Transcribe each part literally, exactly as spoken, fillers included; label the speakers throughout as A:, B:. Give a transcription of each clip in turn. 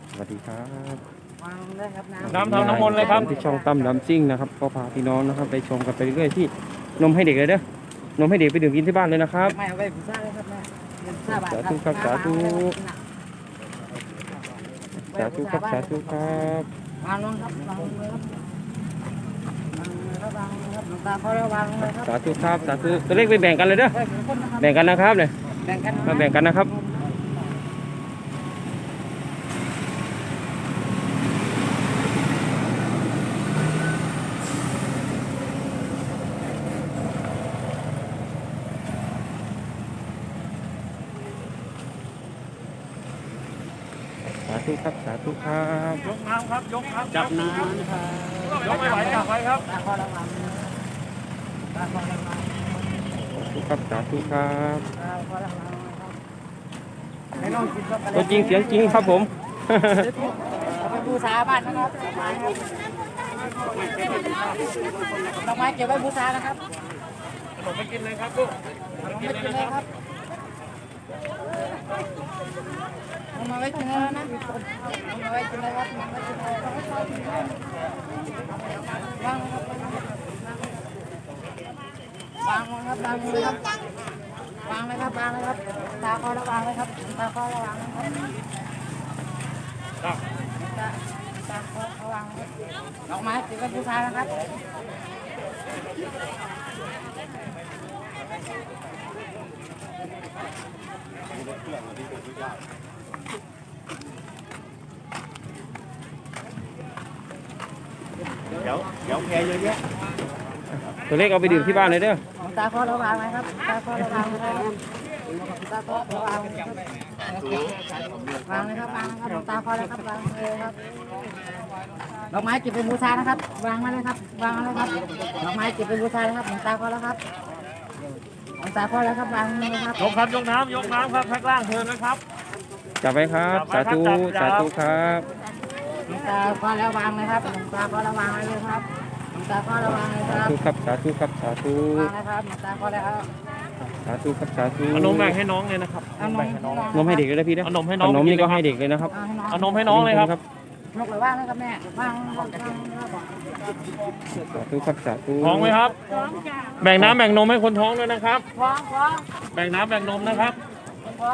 A: สวัสดีครับ
B: วางเลยครับน้ำ
C: น้ำทำน้ำมนต์เลยครับ
A: ที่ช่องตั้มดำซิ่งนะครับก็พาพี่น้องนะครับไปชมกันไปเรื่อยๆที่นมให้เด็กเลยเด้อนมให้เด็กไปดื่มกินที่บ้านเลยนะครับ
B: ไม่เอาไปผู้ชายเลยครับแม่เงินห้าบาท
A: สาธุครับสาธุสาธุครับสาธุครับ
B: วางลงครับวางลงเลยครับวางเลยครับวางเลยครับหลวงตาเขาแล้ววางเลยครับ
A: สาธุครับสาธุตัวเลขไปแบ่งกันเลยเด้อ
B: เฮ้ยเป็นคนนะครับ
A: แบ่งกันนะครับเนี่ย
B: แบ่งกัน
A: มาแบ่งกันนะครับสาธุครับสาธุครับ
C: ยกน้ำครับยกครับ
B: จับน้ำนะครับ
C: ยกไม่ไหวจับไว้ครับ
B: ตาเขาแล้ววางตาเขาแล้ววาง
A: สาธุครับสาธุครับ
B: ตาเขาแล้ววางครับไม่ต้องกินครับ
A: ตัวจริงเสียงจริงครับผม
B: เอาไปบูชาบ้านนะครับดอกไม้เก็บไว้บูชานะครับ
C: ขนมไปกินเลยครับลูก
B: เอาไม่กินเลยครับเอามาไว้กินเลยนะเอามาไว้กินเลยครับเอามาไว้กินเลยวางเลยครับวางเลยครับวางเลยครับวางเลยครับตาคอระวางเลยครับตาคอระวางเลยครับตาตาคอระวางดอกไม้ติดไว้บูชานะครับ
C: เดี๋ยวเดี๋ยวแพเยอะแยะ
A: ตัวเลขเอาไปดื่มที่บ้านเลยเด้อ
B: ตาคอระวางไหมครับตาคอระวางนะครับตาคอระวางครับวางเลยครับวางนะครับตาคอแล้วครับวางเลยครับดอกไม้เก็บเป็นบูชานะครับวางมาเลยครับวางมาเลยครับดอกไม้เก็บเป็นบูชานะครับหลวงตาคอแล้วครับหลวงตาคอแล้วครับวางเลยครับ
C: ยกครับยกน้ำยกน้ำครับแพ็คล่างเทินนะครับ
A: จับไว้ครับ สาธุสาธุครับ
B: หลวงตาคอแล้ววางเลยครับหลวงตาคอแล้ววางเลยครับหลวงตาคอแล้ววางเลยค
A: สา
B: รับ
A: ธุครับสาธุครับสาธุ
B: วางเลยครับหลวงตาคอแล้ว
A: สาธุครับสาธุ
C: เอานมแบ่งให้น้องเลยนะครับ
B: เอานม
C: แบ่งให้น้อง
A: นมให้เด็กเลยนะพี่นะ
C: เอานมให้น้อง
A: ขนมนี่ก็ให้เด็กเลยนะครับ
B: เอาให้น้อง
C: เอานมให้น้องเลยครับ
B: นกเลยว่างนะครับแม่ว่างว่างว่าง
A: สาธุครับสาธุ
C: ท้องไหมครับ แบ่งน้ำแบ่งนมให้คนท้องด้วยนะครับ
B: ฟ้องฟ้อง
C: แบ่งน้ำแบ่งนมนะครับ
B: ฟ้อง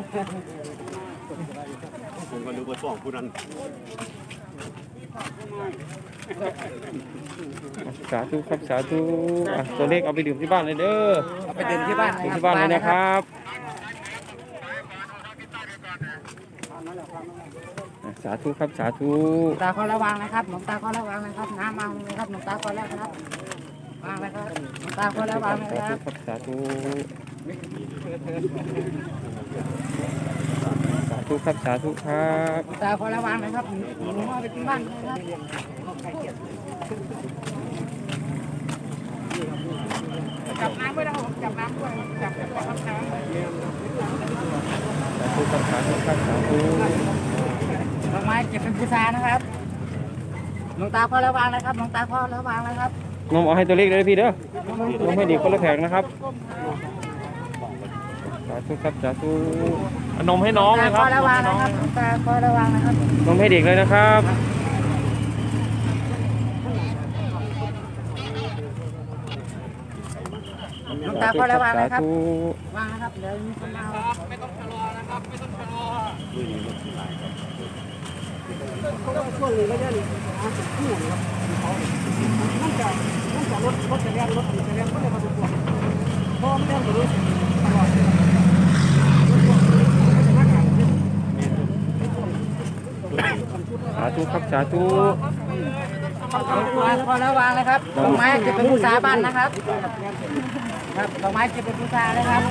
D: ผมก็นึกว่าฟ้องผู้นั้น
A: สาธุครับสาธุอ่ะตัวเลขเอาไปดื่มที่บ้านเลยเด้อ
B: เอาไปดื่มที่บ้าน
A: ดื่มที่บ้านเลยนะครับอ่ะสาธุครับสาธุ
B: ตาเขาระวังนะครับหลวงตาเขาระวังนะครับน้ำวางเลยครับหลวงตาเขาแล้วครับวางเลยครับหลวงตาเขาระวังเลย
A: สา
B: ค
A: ธุ
B: รับ
A: ครับสาธุสาธุครับสาธุครับ
B: หลวงตาเขาระวังเลยครับหนูเอาไปที่บ้านเลยครับจับน้ำไว้นะครับจับน้ำด้วยจับจับน้ำ
A: สาธุครับสาธุครับสาธุ
B: ดอกไม้เก็บเป็นบูชานะครับหลวงตาเขาระวังนะครับหลวงตาเขาระวังนะครับ
A: นมเอาให้ตัวเลขเลยนะพี่เด้อ นมให้เด็กคนละแผงนะครับ สาธุครับสาธุ
C: เอานมให้น้อง
B: ตา
C: เลยค
B: เขา
C: รับ
B: ระวังนะครับหลวงตาเขาระวังนะครับ
A: นมให้เด็กเลยนะครับ
B: หลวงตาเขาระวัง
A: สา
B: นะครับ
A: ธุ
B: วางนะครับเดี๋ยวมีคนมาไม่ต้องชะลอนะครับไม่ต้องชะลอช่วงนี้ก็จะหาจุดคู่นะครับมันจะมันจะรถรถจะเลี้ยงรถจะเลี้ยงก็เลยมาดูตัวเพราะมันเลี้ยงตัวตลอด
A: สาธุครับสาธุ
B: พอแล้ววางเลยครับดอกไม้จะเป็นบูชาบ้านนะครับครับดอกไม้จะเป็นบูชาเลยครับ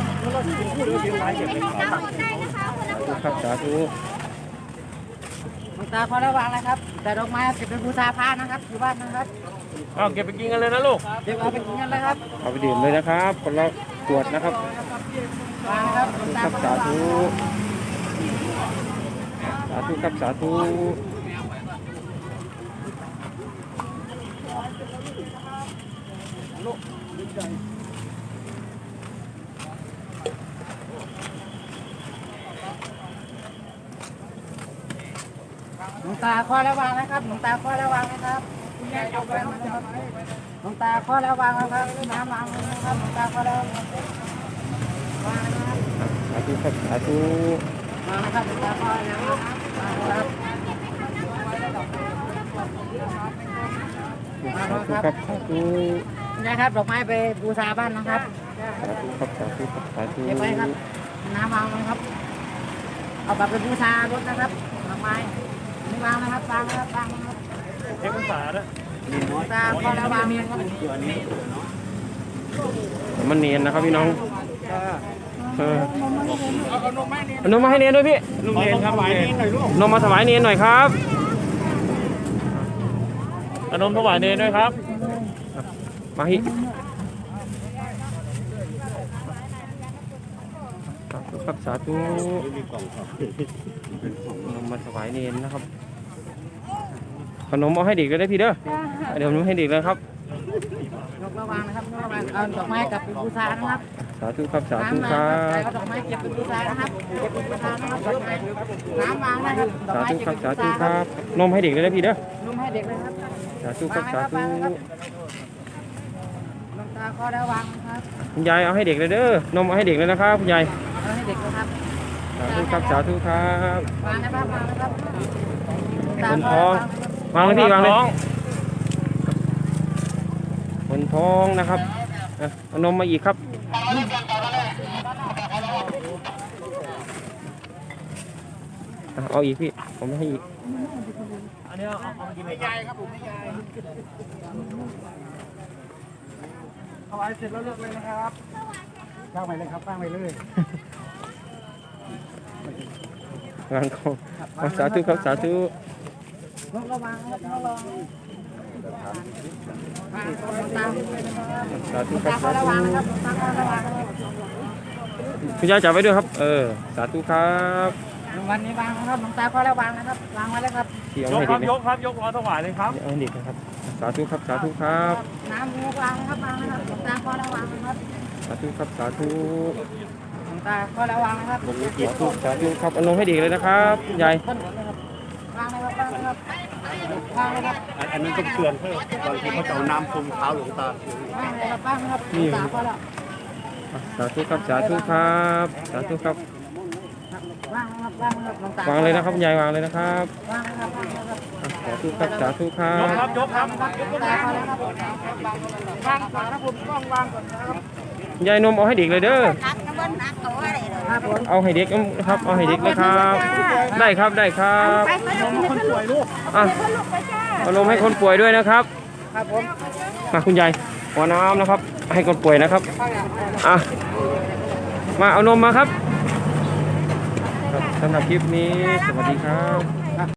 A: สาธุครับสาธุ
B: หลวงตาพอแล้ววางเลยครับแต่ดอกไม้จะเป็นบูชาพระนะครับอยู่บ้านนะครับ
C: เอาเก็บไปกินกันเลยนะลูก
B: เดี๋ยวเอาไปกินกันเลยครับ
A: เอาไปดื่มเลยนะครับคนละขวดนะครับ
B: วางนะครับหลวงตา
A: ครับ
B: พอ
A: สา
B: แล้ววาง
A: ธุสาธุครับสาธุ
B: หลวงตาข้อระวังนะครับหลวงตาข้อระวังนะครับคุณแม่ยกแรงมานะครับหลวงตาข้อระวังนะครับน้ำวางเลยนะครับหลวงตาข้อระวังวางนะครับ
A: สาธุครับสาธุ
B: วางนะครับหลวงตาข้อระวังวางนะครับ
A: สาธุครับสาธุ
B: คุณยายครับดอกไม้ไปบูชาบ้านนะครับ
A: สาธุครับสาธุครับสาธุ
B: เก็บไว้ครับน้ำวางไว้ครับเอาแบบไปบูชารถนะครับดอกไม้นี่วางนะครับวางนะครับวางนะครับ
C: เอกสารนะ
B: หลวงตาข้อระวังนะครับ
A: มันเนียนนะครับพี่น้องเออเอานมมาให้เนียนด้วยพี่
C: ลุงเรียนครับไปนี่หน่อยลูก
A: นมมาถวายเนียนหน่อยครับ
C: อานมถวายเนรด้วยครับ
A: มาฮิสาธุครับสาธุ
D: มีกล่องครับ
A: นมมาถวายเนียนนะครับขนมเอาให้เด็กเลยได้พี่เด้อเดี๋ยวผมให้เด็กเลยครับ
B: ยกระวังนะครับยกระวังเอาดอกไม้กลับไปบูชานะครับ
A: สาธุครับสาธุ
B: น้ำ
A: ค
B: มา
A: รั
B: ครับ
A: บ
B: เอาดอกไม้เก็บไปบูชานะครับเก็บไปบูชานะครับดอกไม้น้ำวางนะครับดอก
A: สา
B: ไม้
A: ธุ
B: เก็บ
A: ครับ
B: ไป
A: สา
B: บู
A: ธุ
B: ชา
A: ครับนมให้เด็กเลยนะพี่เด้อ
B: นุ่มให้เด็กเลยครับ
A: สาธุครับสาธุ
B: หลวงตาข้อระวังนะครับ
A: คุณยายเอาให้เด็กเลยเด้อนมเอาให้เด็กเลยนะครับคุณยาย
B: เอาให้เด็กนะครับ
A: สาธุครับสาธุครับ
B: วางนะครับวางนะครับ
A: คนท้องวางเลยพี่วางเลยคนท้องนะครับอ่ะเอานมมาอีกครับอ่ะเอาอีกพี่ผมให้อีก
C: อันนี้เอาเอากินให้ยายครับผมให้ยาย
B: ถวายเสร็จแล้วเลิกเลยนะครับตั้งไปเลยครับตั้งไปเลย
A: วางเขาอ่ะสาธุครับสาธุ
B: ยกระวังครับยกระวังวางตามเลยนะครับ
A: สาธุครั
B: ตา
A: บ
B: ข้อ
A: สา
B: ระ
A: ธุ
B: วังนะครับตาข้อระวังนะครับ
A: คุณยายจับไว้ด้วยครับเออสาธุครับ
B: วันนี้วางนะครับหลวงตาข้อระวังนะครับวางไว้เลยครับ
A: ที่เอา
C: ยก
A: ให้
C: ค
A: เด็
C: รั
A: ก
C: บ
A: เลย
C: ยกครับยกรอถวายเลยครับ
A: เอาให้เด็กนะครับสาธุครับสาธุครับ
B: น้ำมูกวางนะครับวางนะครับหลวงตาข้อระวังนะครับ
A: สาธุครับสาธุ
B: หลวงตาข้อระวังนะครับ
A: สาธุสาธุครับเอานมให้เด็กเลยนะครับคุณยาย
B: ต้นหมดเลยครับวางเลยครับวางเลยครับวางเลยครับ
D: อันนี้ต้องเตือนเพื่อบางทีเขาจะเอาน้ำพรมเท้าหลวงตา
B: วางเลยครับวางเลยครับหลวงตาข้อละ
A: อ่ะสาธุครับสาธุครับสาธุครับ
B: วางเลยครับวางเลยครับหลวงตาว
A: างเลยนะครับคุณยายวางเลยนะครับ
B: วางเลยครับวางเลยครับ
A: อ่ะสาธุครับสาธุครั
C: ยกครับ
A: บ
C: ยกครับ
B: หลวงตาข้อละครับวางก่อนนะผมต้องวางก่อนนะครับ
A: คุณยายนมเอาให้เด็กเลยเด้อ
B: ครับผม
A: เอาให้เด็กครับเอาให้เด็กเลยครับ ได้ครับได้ครับ
B: คนป่วยลูก
A: อ่ะเอานมให้คนป่วยด้วยนะครับ
B: ครับผม
A: มาคุณยายหัวน้ำนะครับ ให้คนป่วยนะครับอ่ะมาเอานมมาครับครับสำหรับคลิปนี้สวัสดีครับ